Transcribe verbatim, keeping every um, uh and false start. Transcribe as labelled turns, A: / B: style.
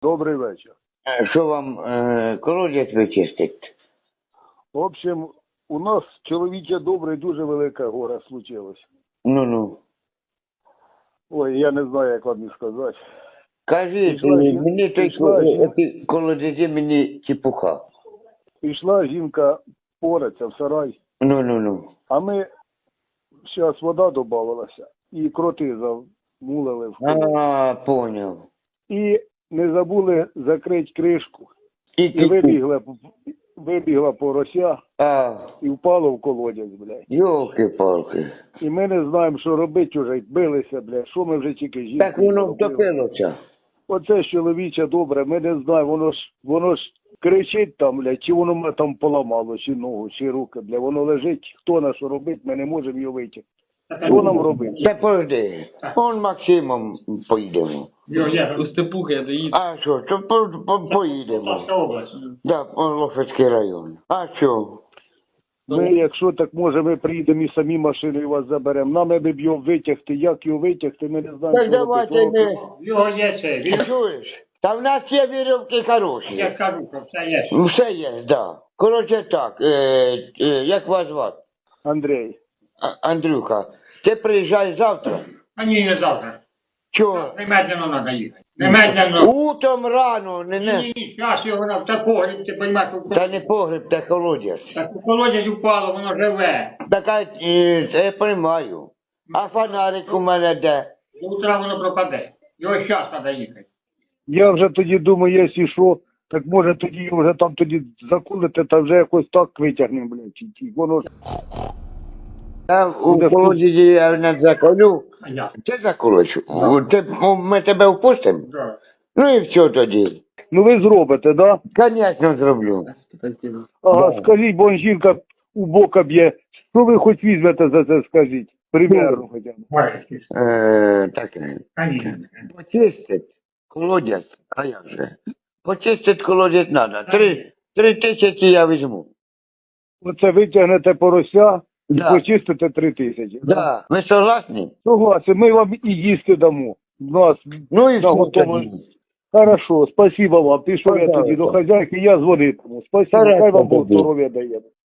A: Добрий вечір.
B: Е, Що вам е, колодязь вичистить?
A: В общем, у нас чоловіче добре, дуже велике горе случилось.
B: Ну-ну.
A: Ой, я не знаю, як вам і сказати.
B: Кажіть,
A: Пішла
B: мені,
A: жін-
B: мені той
A: пішла
B: ко-
A: жін-
B: оті колодязі мені чепуха.
A: Пішла жінка пораться в сарай,
B: Ну-ну-ну.
A: а ми, зараз вода додавалася, і кроти замулили в колодязь.
B: А, поняв.
A: І не забули закрити кришку.
B: І,
A: І вибігла, вибігла порося
B: А,
A: і впало в колодязь, блядь.
B: йолки-палки.
A: І ми не знаємо, що робити вже, билися, блядь, що ми вже тільки жінки.
B: Так воно
A: зробили.
B: втопилося.
A: Оце ж чоловіче добре, ми не знаємо, воно ж, воно ж кричить там, блядь, чи воно мене там поламало, чи ногу, чи руки, блядь, воно лежить, хто на що робить, ми не можемо його витягти. Що нам робити?
B: Та подожди, он Максимом поїдемо.
C: Йо, я у Степуха я доїду.
B: А що, то по, по, поїдемо.
C: Полтавська область.
B: Да, Лофецький район. А що?
A: Ми, якщо так може, ми приїдемо і самі машиною вас заберемо. Нам аби б його витягти, як його витягти, ми не знаємо,
B: Так
A: що
B: давайте
A: робити.
B: ми...
C: Його є це, він,
B: Чуєш? Та в нас є вірьовки хороші.
C: я кажу, що все є.
B: Все є, да. Коротше так, е, е, як вас звати?
A: Андрій,
B: А- Андрюха, ти приїжджай завтра.
C: А ні, не завтра.
B: Чого?
C: Немедленно треба їхати. Немедленно.
B: Утром рано, не
C: Ні,
B: не.
C: ні, ні, зараз його на такого, ти розумієш,
B: Та не погреб, та колодязь.
C: так у колодязь упало, воно живе.
B: Така, е, це я приймаю. А фонарик у мене де?
C: До утра воно пропаде. Його зараз треба їхати.
A: я вже тоді думаю, якщо що, так може тоді вже там тоді закулити, та вже якось так витягнемо, блядь, чи- чи воно ж...
B: Я у колодязі я не заколю.
C: А я.
B: Ти заколиш? Ти, ми тебе впустимо?
C: Да.
B: Ну і все тоді.
A: Ну ви зробите, да?
B: Звісно, зроблю.
A: Ага,
B: Да.
A: скажіть, бо жінка у бока б'є. Що ви хоч візьмете за це, скажіть? Примерно хоча б.
C: Бачиш,
B: Е, так,
C: Конечно.
B: почистить колодязь, а як же? Почистить колодязь треба. Три, три тисячі я візьму.
A: Оце витягнете порося і
B: Да.
A: почистите три тисячі.
B: Да. Ви согласні?
A: Согласен, ми вам і їсти дамо. Нас
B: Ну і все
A: наготово.
B: тоді.
A: Хорошо, спасибо вам. Пішов я
B: Пожалуйста.
A: тоді до хазяйки, я дзвонитиму. Спасибо,
B: Хорошо
A: хай вам Бог
B: тоді.
A: здоров'я дає.